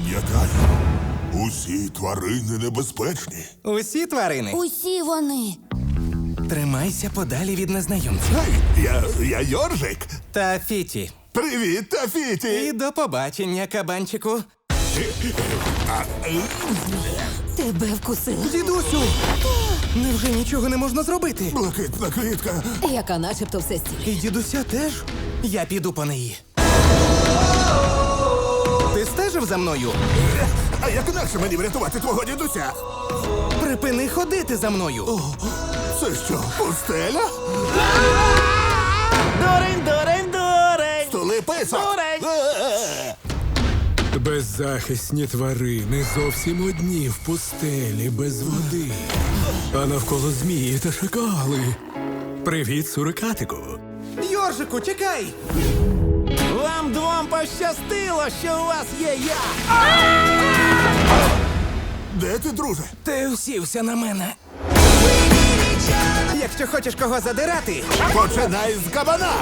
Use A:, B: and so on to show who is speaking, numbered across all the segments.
A: Пам'ятай, усі тварини небезпечні.
B: Усі тварини.
C: Усі вони.
B: Тримайся подалі від незнайомців.
A: Гей, я Йоржик.
B: Та Фіті.
A: Привіт,
B: І
A: Тафіті.
B: до побачення, кабанчику.
C: Тебе вкусила.
B: Дідусю! Невже нічого не можна зробити?
A: Блакитна квітка.
C: Яка начебто все стіль.
B: І дідуся теж? Я піду по неї. Ти стежив за мною?
A: А як інакше мені врятувати твого дідуся?
B: Припини ходити за мною.
A: Це що, пустеля?
B: Дурень, дурень, дурень!
A: Столи писок.
B: Дурень!
D: Беззахисні тварини зовсім одні в пустелі без води. А навколо змії та шакали. Привіт, сурикатику.
B: Йоржику, чекай! Вам двом пощастило, що у вас є я!
A: Де ти, друже?
B: Ти усівся на мене. Якщо хочеш кого задирати,
A: Починай з кабана.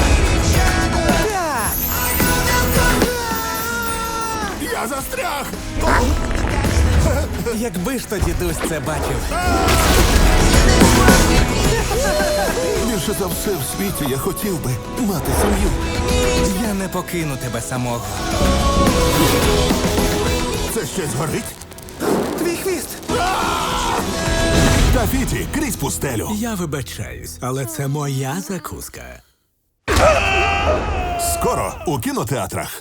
B: так!
A: Я застряг.
B: Якби ж то дідусь це бачив.
A: Більше за все в світі я хотів би мати сім'ю.
B: Я не покину тебе самого.
A: Це щось горить?
B: Твій хвіст!
A: Тафіті, крізь пустелю.
D: Я вибачаюсь, але це моя закуска.
A: Скоро у кінотеатрах.